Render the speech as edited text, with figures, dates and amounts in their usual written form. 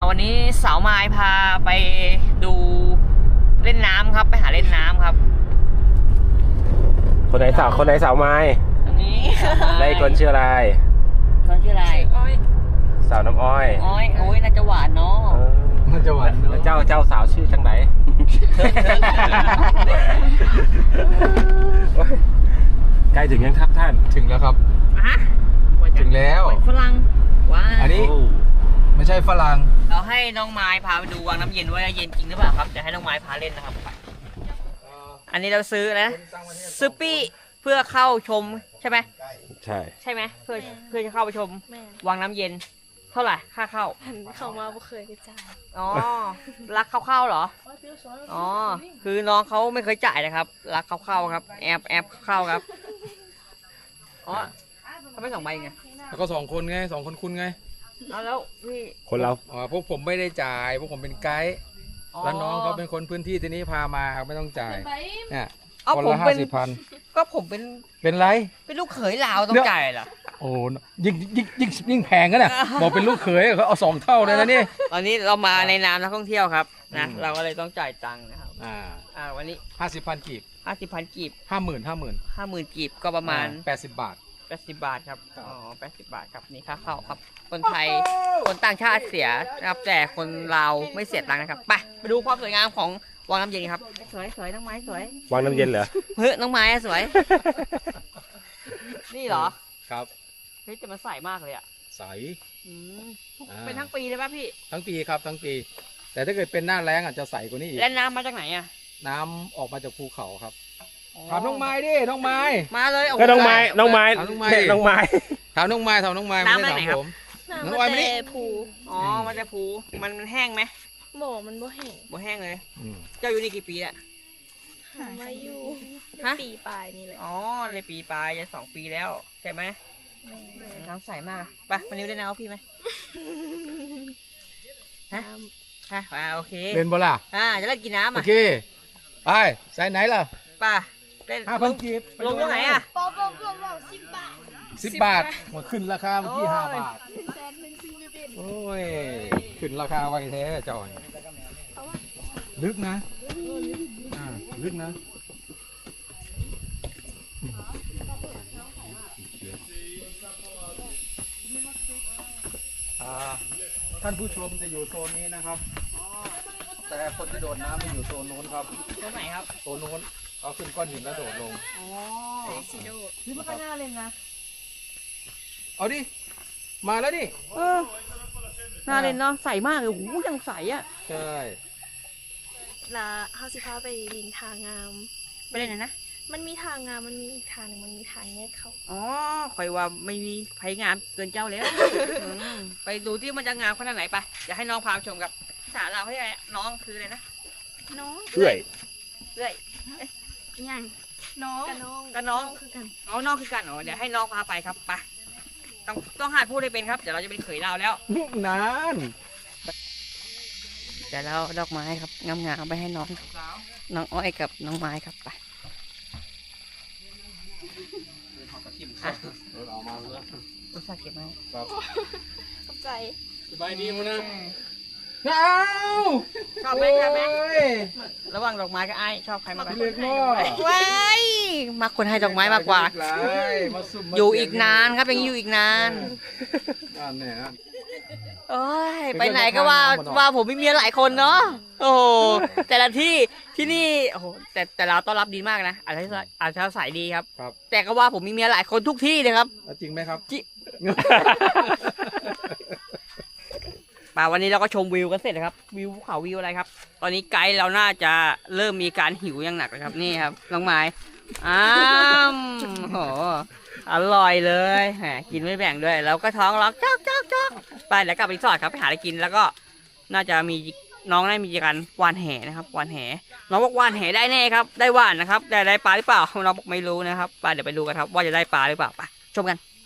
วันนี้สาวไม้พาไปดูเล่นน้ำครับไปหาเล่นน้ำครับคนไหนสาวไม้ตรงนี้ได้คนชื่ออะไรคนชื่ออะไรสาวน้ำอ้อยโอ้ยน่าจะหวานเนาะน่าจะหวานแล้วเจ้าสาวชื่อจังไหนใกล้ถึงยังครับท่านถึงแล้วครับถึงแล้วฝรั่งว้าอันนี้ไม่ใช่ฝรั่งเราให้น้องไม้พาไปดูวังน้ำเย็นว่าเย็นจริงหรือเปล่าครับจะให้น้องไม้พาเล่นนะครับอันนี้เราซื้อนะซื้อปี้เพื่อเข้าชมใช่ไหมใช่ไหมเพื่อจะเข้าไปชมวังน้ำเย็นเท่าไหร่ค่าเข้าเข้ามาไม่เคยไปจ่ายอ๋อรักเข้าเหรออ๋อคือน้องเขาไม่เคยจ่ายนะครับรักเข้าครับแอบเข้าครับอ๋อทำไม2 ใบไงแล้วก็2 คนไง2 คนคุณไงเอาแล้วพี่คนเราพวกผมไม่ได้จ่ายพวกผมเป็นไกด์แล้วน้องเขาเป็นคนพื้นที่ที่นี้พามาไม่ต้องจ่ายเนี่ยคนละ50,000 ก็ผมเป็นไรเป็นลูกเขยลาวต้องจ่ายเหรอโอ้ยิ่งแพงกันน่ะบอกเป็นลูกเขยเขาเอา2 เท่าเลยนะนี่ตอนนี้เรามาในนามนักท่องเที่ยวครับนะเราก็เลยต้องจ่ายตังค์นะครับวันนี้ 50,000 กีบ 50,000 กีบ50,000 กีบก็ประมาณ 80 บาทครับอ๋อ80 บาทครับนี่ค่าเข้าครับคนไทยคนต่างชาติเสียนะครับแต่คนลาวไม่เสียตังค์นะครับไปดูความสวยงามของวังน้ำเย็นครับสวยน้องไม้สวยวังน้ำเย็นเหรอเฮ้ยน้องไม้สวยนี่เหรอครับเฮ้ยแต่มันใสมากเลยอ่ะใสเป็นทั้งปีเลยป่ะพี่ทั้งปีครับทั้งปีแต่ถ้าเกิดเป็นหน้าแล้งอาจจะใสกว่านี้อีกแล้วน้ำมาจากไหนอ่ะน้ำออกมาจากภูเขาครับถามน้องไม้ดิน้องไม้มาเลยก็น้องไม้ถามน้องไม้น้ำมาจากไหนครับน้ำมาจากภูอ๋อมาจากภูมันแห้งไหมมันบ่แห้งเลยเจ้าอยู่นี่กี่ปีอะมาอยู่ปีปลายนี่แหละอ๋อเลยปีปลายจะ2 ปีแล้วใช่ไหมน้ำใสมากไปมานิ้วได้น้ำพี่ไหมฮะโอเคเล่นบ่ล่ะจะเล่นกินน้ำโอเคไปใส่ไหนล่ะป่ะเล่น 5,000 กีบลงตรงไหนอะ 10 บาทหมดขึ้นราคาเมื่อกี้5 บาทโอ้ยขึ้นราคาไว้แท้จอยลึกนะลึกนะท่านผู้ชมจะอยู่โซนนี้นะครับแต่คนที่โดดน้ำจะอยู่โซนโน้นครับโซนไหนครับโซนโน้นเอาขึ้นก้อนหินแล้วโดดลงนี่มันก็น่าเล่นนะเอาดิมาแล้วดิน่าเล่นเนาะใสมากเลยโอ้โหยังใสอ่ะใช่ละเฮาสิพาไปลินทางงามไปเล่นไหนนะมันมีทางงามมันมีอีกทางนึงมันมีทางแยกเขาอ๋อคอยว่าไม่มีไผงามเกินเจ้าแล้วไปดูที่มันจะงามขนาดไหนไปอยากให้น้องพาชมกับภาษาเราให้ไงน้องคืออะไรนะน้องเอื่อยยังน้องกับน้องคือกันอ๋อน้องคือกันอ๋อเดี๋ยวให้น้องพาไปครับไปต้องหัดพูดให้เป็นครับเดี๋ยวเราจะเป็นเขยเราแล้วนานเดี๋ยวเราดอกไม้ครับงามๆไปให้น้องอ้อยกับน้องไม้ครับไปอุตส่าห์เก็บไว้ขอบใจสบายดีมั้ยนะชอบไหมระหว่างดอกไม้กับไอ้ชอบใครมากกว่าว้ายมาคนให้ดอกไม้มากกว่าอยู่อีกนานครับยังอยู่อีกนานโอ้ยไปไหนก็ว่าผมมีเมียหลายคนเนาะโอ้แต่ละที่นี่โอ้โหแต่เราต้อนรับดีมากนะอาจจะใส่ดีครับแต่ก็ว่าผมมีเมียหลายคนทุกที่เลยครับจริงไหมครับจริงวันนี้เราก็ชมวิวกันเสร็จนะครับวิวภูเขาวิวอะไรครับตอนนี้ไกด์เราน่าจะเริ่มมีการหิวอย่างหนักเลยครับนี่ครับน้องไม้โหอร่อยเลยกินไม่แบ่งด้วยแล้วก็ท้องร้องจ๊อกไปแล้วกลับไปรีสอร์ทครับไปหาอะไรกินแล้วก็น่าจะมีน้องได้มีการวานแหนะครับวานแหน้องบอกวานแหได้แน่ครับได้วานนะครับได้ปลาหรือเปล่าน้องบอกไม่รู้นะครับไปเดี๋ยวไปดูกันครับว่าจะได้ปลาหรือเปล่าไปชมกัน